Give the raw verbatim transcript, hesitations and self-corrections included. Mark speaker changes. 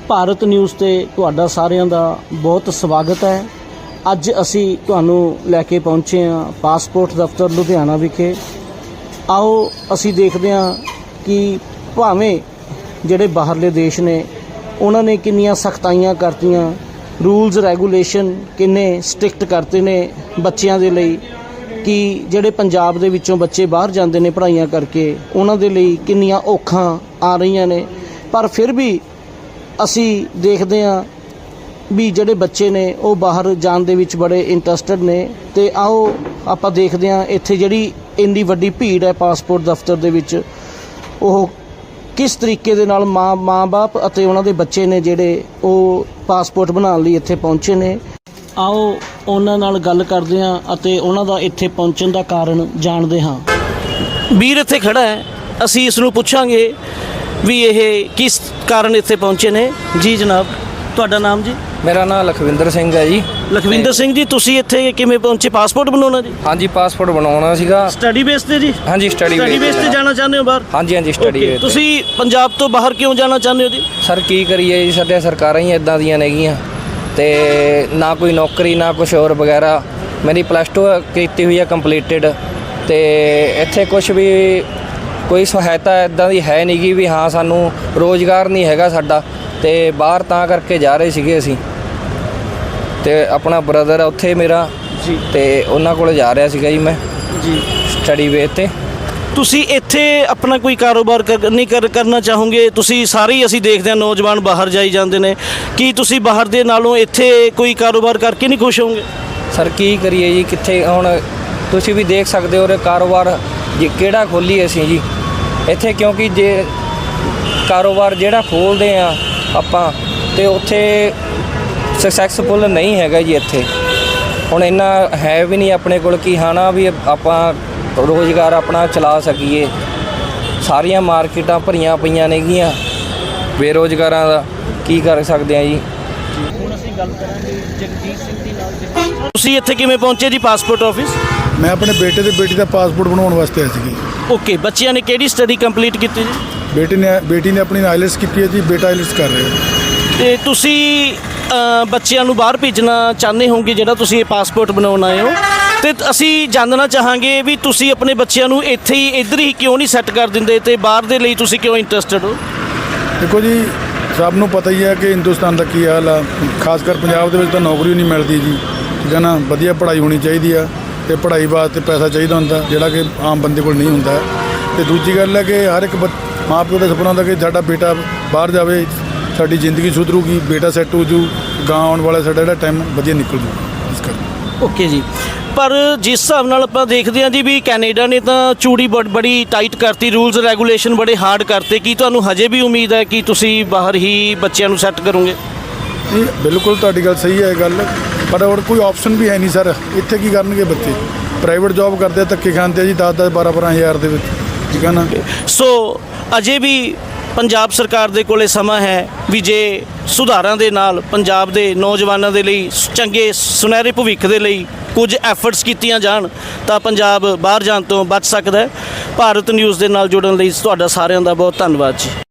Speaker 1: Bharat news ਤੇ ਤੁਹਾਡਾ ਸਾਰਿਆਂ ਦਾ ਬਹੁਤ ਸਵਾਗਤ ਹੈ। ਅੱਜ ਅਸੀਂ ਤੁਹਾਨੂੰ ਲੈ ਕੇ ਪਹੁੰਚੇ ਹਾਂ ਪਾਸਪੋਰਟ ਦਫ਼ਤਰ ਲੁਧਿਆਣਾ ਵਿਖੇ। ਆਓ ਅਸੀਂ ਦੇਖਦੇ ਹਾਂ ਕਿ ਭਾਵੇਂ ਜਿਹੜੇ ਬਾਹਰਲੇ ਦੇਸ਼ ਨੇ ਉਹਨਾਂ ਨੇ ਕਿੰਨੀਆਂ ਸਖਤਾਈਆਂ ਕਰਤੀਆਂ, ਰੂਲਸ ਰੈਗੂਲੇਸ਼ਨ ਕਿੰਨੇ ਸਟ੍ਰਿਕਟ ਕਰਤੇ ਨੇ ਬੱਚਿਆਂ ਦੇ ਲਈ, ਕਿ ਜਿਹੜੇ ਪੰਜਾਬ ਦੇ ਵਿੱਚੋਂ ਬੱਚੇ ਬਾਹਰ ਜਾਂਦੇ ਨੇ ਪੜ੍ਹਾਈਆਂ ਕਰਕੇ ਉਹਨਾਂ ਦੇ ਲਈ ਕਿੰਨੀਆਂ ਔਖਾਂ ਆ ਰਹੀਆਂ ਨੇ। ਪਰ ਫਿਰ ਵੀ ਅਸੀਂ ਦੇਖਦੇ ਹਾਂ ਵੀ ਜਿਹੜੇ ਬੱਚੇ ਨੇ ਉਹ ਬਾਹਰ ਜਾਣ ਦੇ ਵਿੱਚ ਬੜੇ ਇੰਟਰਸਟਿਡ ਨੇ। ਅਤੇ ਆਓ ਆਪਾਂ ਦੇਖਦੇ ਹਾਂ ਇੱਥੇ ਜਿਹੜੀ ਇੰਨੀ ਵੱਡੀ ਭੀੜ ਹੈ ਪਾਸਪੋਰਟ ਦਫ਼ਤਰ ਦੇ ਵਿੱਚ, ਉਹ ਕਿਸ ਤਰੀਕੇ ਦੇ ਨਾਲ ਮਾਂ ਮਾਂ ਬਾਪ ਅਤੇ ਉਹਨਾਂ ਦੇ ਬੱਚੇ ਨੇ ਜਿਹੜੇ ਉਹ ਪਾਸਪੋਰਟ ਬਣਾਉਣ ਲਈ ਇੱਥੇ ਪਹੁੰਚੇ ਨੇ। ਆਓ ਉਹਨਾਂ ਨਾਲ ਗੱਲ ਕਰਦੇ ਹਾਂ ਅਤੇ ਉਹਨਾਂ ਦਾ ਇੱਥੇ ਪਹੁੰਚਣ ਦਾ ਕਾਰਨ ਜਾਣਦੇ ਹਾਂ। ਵੀਰ ਇੱਥੇ ਖੜਾ ਹੈ, ਅਸੀਂ ਇਸ ਨੂੰ ਪੁੱਛਾਂਗੇ ਵੀ ਇਹ ਕਿਸ ਕਾਰਨ ਇੱਥੇ ਪਹੁੰਚੇ ਨੇ। ਜੀ ਜਨਾਬ, ਤੁਹਾਡਾ ਨਾਮ ਜੀ?
Speaker 2: ਮੇਰਾ ਨਾਮ ਲਖਵਿੰਦਰ ਸਿੰਘ ਹੈ ਜੀ।
Speaker 1: ਲਖਵਿੰਦਰ ਸਿੰਘ ਜੀ, ਤੁਸੀਂ ਇੱਥੇ ਕਿਵੇਂ ਪਹੁੰਚੇ? ਪਾਸਪੋਰਟ ਬਣਾਉਣਾ ਜੀ?
Speaker 2: ਹਾਂਜੀ, ਪਾਸਪੋਰਟ ਬਣਾਉਣਾ ਸੀਗਾ।
Speaker 1: ਸਟੱਡੀ ਬੇਸ ਤੇ ਜੀ?
Speaker 2: ਹਾਂਜੀ, ਸਟੱਡੀ
Speaker 1: ਸਟੱਡੀ ਬੇਸ ਤੇ ਜਾਣਾ ਚਾਹੁੰਦੇ ਹੋ ਬਾਹਰ?
Speaker 2: ਹਾਂਜੀ ਹਾਂਜੀ, ਸਟੱਡੀ ਬੇਸ।
Speaker 1: ਤੁਸੀਂ ਪੰਜਾਬ ਤੋਂ ਬਾਹਰ ਕਿਉਂ ਜਾਣਾ ਚਾਹੁੰਦੇ ਹੋ ਜੀ?
Speaker 2: ਸਰ ਕੀ ਕਰੀਏ ਜੀ, ਸਾਡੀਆਂ ਸਰਕਾਰਾਂ ਹੀ ਇੱਦਾਂ ਦੀਆਂ ਨੇਗੀਆਂ, ਅਤੇ ਨਾ ਕੋਈ ਨੌਕਰੀ ਨਾ ਕੁਛ ਹੋਰ ਵਗੈਰਾ। ਮੇਰੀ ਪਲੱਸ ਟੂ ਕੀਤੀ ਹੋਈ ਹੈ ਕੰਪਲੀਟਡ, ਅਤੇ ਇੱਥੇ ਕੁਛ ਵੀ ਕੋਈ ਸਹਾਇਤਾ ਇੱਦਾਂ ਦੀ ਹੈ ਨਹੀਂ ਗੀ ਵੀ ਹਾਂ ਸਾਨੂੰ ਰੋਜ਼ਗਾਰ ਨਹੀਂ ਹੈਗਾ ਸਾਡਾ, ਅਤੇ ਬਾਹਰ ਤਾਂ ਕਰਕੇ ਜਾ ਰਹੇ ਸੀਗੇ ਅਸੀਂ। ਅਤੇ ਆਪਣਾ ਬ੍ਰਦਰ ਆ ਉੱਥੇ ਮੇਰਾ ਜੀ, ਅਤੇ ਉਹਨਾਂ ਕੋਲ ਜਾ ਰਿਹਾ ਸੀਗਾ ਜੀ ਮੈਂ ਜੀ ਸਟੱਡੀ ਬੇਸ 'ਤੇ।
Speaker 1: ਤੁਸੀਂ ਇੱਥੇ ਆਪਣਾ ਕੋਈ ਕਾਰੋਬਾਰ ਕਰ ਨਹੀਂ ਕਰ ਕਰਨਾ ਚਾਹੋਗੇ? ਤੁਸੀਂ ਸਾਰੇ ਹੀ ਅਸੀਂ ਦੇਖਦੇ ਹਾਂ ਨੌਜਵਾਨ ਬਾਹਰ ਜਾਈ ਜਾਂਦੇ ਨੇ, ਕੀ ਤੁਸੀਂ ਬਾਹਰ ਦੇ ਨਾਲੋਂ ਇੱਥੇ ਕੋਈ ਕਾਰੋਬਾਰ ਕਰਕੇ ਨਹੀਂ ਖੁਸ਼ ਹੋਵੋਗੇ?
Speaker 2: ਸਰ ਕੀ ਕਰੀਏ ਜੀ, ਕਿੱਥੇ ਹੁਣ ਤੁਸੀਂ ਵੀ ਦੇਖ ਸਕਦੇ ਹੋ ਕਾਰੋਬਾਰ ਜੀ ਕਿਹੜਾ ਖੋਲ੍ਹੀਏ ਅਸੀਂ ਜੀ ਇੱਥੇ, ਕਿਉਂਕਿ ਜੇ ਕਾਰੋਬਾਰ ਜਿਹੜਾ ਖੋਲ੍ਹਦੇ ਆ ਆਪਾਂ ਅਤੇ ਉੱਥੇ ਸਕਸੈਸਫੁਲ ਨਹੀਂ ਹੈਗਾ ਜੀ ਇੱਥੇ। ਹੁਣ ਇੰਨਾ ਹੈ ਵੀ ਨਹੀਂ ਆਪਣੇ ਕੋਲ ਕਿ ਹਾਂ ਨਾ ਵੀ ਆਪਾਂ ਰੋਜ਼ਗਾਰ ਆਪਣਾ ਚਲਾ ਸਕੀਏ। ਸਾਰੀਆਂ ਮਾਰਕੀਟਾਂ ਭਰੀਆਂ ਪਈਆਂ ਨੇਗੀਆਂ ਬੇਰੁਜ਼ਗਾਰਾਂ ਦਾ, ਕੀ ਕਰ ਸਕਦੇ ਆ ਜੀ।
Speaker 1: ਹੁਣ ਅਸੀਂ ਗੱਲ ਕਰਾਂਗੇ ਜਗਜੀਤ ਸਿੰਘ ਦੀ ਨਾਲ। ਤੁਸੀਂ ਇੱਥੇ ਕਿਵੇਂ ਪਹੁੰਚੇ ਜੀ ਪਾਸਪੋਰਟ ਆਫਿਸ?
Speaker 3: ਮੈਂ ਆਪਣੇ ਬੇਟੇ ਤੇ ਬੇਟੀ ਦਾ ਪਾਸਪੋਰਟ ਬਣਾਉਣ ਵਾਸਤੇ ਆਇਆ ਸੀ।
Speaker 1: ਓਕੇ, ਬੱਚਿਆਂ ਨੇ ਕਿਹੜੀ ਸਟੱਡੀ ਕੰਪਲੀਟ ਕੀਤੀ ਜੀ?
Speaker 3: ਬੇਟੀ ਨੇ ਬੇਟੀ ਨੇ ਆਪਣੀ ਆਈਲੈਟਸ ਕੀਤੀ ਹੈ ਜੀ, ਬੇਟਾ ਆਈਲੈਟਸ ਕਰ ਰਿਹਾ।
Speaker 1: ਅਤੇ ਤੁਸੀਂ ਬੱਚਿਆਂ ਨੂੰ ਬਾਹਰ ਭੇਜਣਾ ਚਾਹੁੰਦੇ ਹੋਗੇ ਜਿਹੜਾ ਤੁਸੀਂ ਇਹ ਪਾਸਪੋਰਟ ਬਣਾਉਣ ਆਏ ਹੋ, ਅਤੇ ਅਸੀਂ ਜਾਣਨਾ ਚਾਹਾਂਗੇ ਵੀ ਤੁਸੀਂ ਆਪਣੇ ਬੱਚਿਆਂ ਨੂੰ ਇੱਥੇ ਹੀ ਇੱਧਰ ਹੀ ਕਿਉਂ ਨਹੀਂ ਸੈੱਟ ਕਰ ਦਿੰਦੇ ਅਤੇ ਬਾਹਰ ਦੇ ਲਈ ਤੁਸੀਂ ਕਿਉਂ ਇੰਟਰਸਟਿਡ ਹੋ?
Speaker 3: ਦੇਖੋ ਜੀ, ਸਭ ਨੂੰ ਪਤਾ ਹੀ ਹੈ ਕਿ ਹਿੰਦੁਸਤਾਨ ਦਾ ਕੀ ਹਾਲ ਆ, ਖਾਸ ਕਰ ਪੰਜਾਬ ਦੇ ਵਿੱਚ ਤਾਂ ਨੌਕਰੀ ਨਹੀਂ ਮਿਲਦੀ ਜੀ, ਠੀਕ ਹੈ ਨਾ। ਵਧੀਆ ਪੜ੍ਹਾਈ ਹੋਣੀ ਚਾਹੀਦੀ ਆ, ਅਤੇ ਪੜ੍ਹਾਈ ਵਾਸਤੇ ਪੈਸਾ ਚਾਹੀਦਾ ਹੁੰਦਾ ਜਿਹੜਾ ਕਿ ਆਮ ਬੰਦੇ ਕੋਲ ਨਹੀਂ ਹੁੰਦਾ। ਅਤੇ ਦੂਜੀ ਗੱਲ ਹੈ ਕਿ ਹਰ ਇੱਕ ਬ ਮਾਂ ਪਿਓ ਦਾ ਸੁਪਨਾ ਹੁੰਦਾ ਕਿ ਸਾਡਾ ਬੇਟਾ ਬਾਹਰ ਜਾਵੇ, ਸਾਡੀ ਜ਼ਿੰਦਗੀ ਸੁਧਰੂਗੀ, ਬੇਟਾ ਸੈੱਟ ਹੋ ਜੂ, ਗਾਂ ਆਉਣ ਵਾਲਾ ਸਾਡਾ ਜਿਹੜਾ ਟਾਈਮ ਵਧੀਆ ਨਿਕਲ ਜੂ ਇਸ ਕਰਕੇ।
Speaker 1: ਓਕੇ ਜੀ, ਪਰ ਜਿਸ ਹਿਸਾਬ ਨਾਲ ਆਪਾਂ ਦੇਖਦੇ ਹਾਂ ਜੀ ਵੀ ਕੈਨੇਡਾ ਨੇ ਤਾਂ ਚੂੜੀ ਬ ਬੜੀ ਟਾਈਟ ਕਰਤੀ, ਰੂਲਸ ਰੈਗੂਲੇਸ਼ਨ ਬੜੇ ਹਾਰਡ ਕਰਤੇ, ਕੀ ਤੁਹਾਨੂੰ ਹਜੇ ਵੀ ਉਮੀਦ ਹੈ ਕਿ ਤੁਸੀਂ ਬਾਹਰ ਹੀ ਬੱਚਿਆਂ ਨੂੰ ਸੈੱਟ ਕਰੋਗੇ?
Speaker 3: ਨਹੀਂ, ਬਿਲਕੁਲ ਤੁਹਾਡੀ ਗੱਲ ਸਹੀ ਹੈ ਗੱਲ, ਪਰ ਹੋਰ ਕੋਈ ਆਪਸ਼ਨ ਵੀ ਹੈ ਨਹੀਂ ਸਰ। ਇੱਥੇ ਕੀ ਕਰਨਗੇ ਬੱਚੇ? ਪ੍ਰਾਈਵੇਟ ਜੋਬ ਕਰਦੇ ਆ, ਧੱਕੇ ਖਾਂਦੇ ਆ ਜੀ ਦਸ ਦਸ ਬਾਰਾਂ ਬਾਰਾਂ ਹਜ਼ਾਰ ਦੇ ਵਿੱਚ, ਠੀਕ ਹੈ ਨਾ। ਸੋ
Speaker 1: ਅਜੇ ਵੀ ਪੰਜਾਬ ਸਰਕਾਰ ਦੇ ਕੋਲੇ ਸਮਾਂ ਹੈ ਵੀ ਜੇ ਸੁਧਾਰਾਂ ਦੇ ਨਾਲ ਪੰਜਾਬ ਦੇ ਨੌਜਵਾਨਾਂ ਦੇ ਲਈ ਚੰਗੇ ਸੁਨਹਿਰੇ ਭਵਿੱਖ ਦੇ ਲਈ ਕੁਝ ਐਫਰਟਸ ਕੀਤੀਆਂ ਜਾਣ ਤਾਂ ਪੰਜਾਬ ਬਾਹਰ ਜਾਣ ਤੋਂ ਬਚ ਸਕਦਾ ਹੈ। ਭਾਰਤ ਨਿਊਜ਼ ਦੇ ਨਾਲ ਜੁੜਨ ਲਈ ਤੁਹਾਡਾ ਸਾਰਿਆਂ ਦਾ ਬਹੁਤ ਧੰਨਵਾਦ ਜੀ।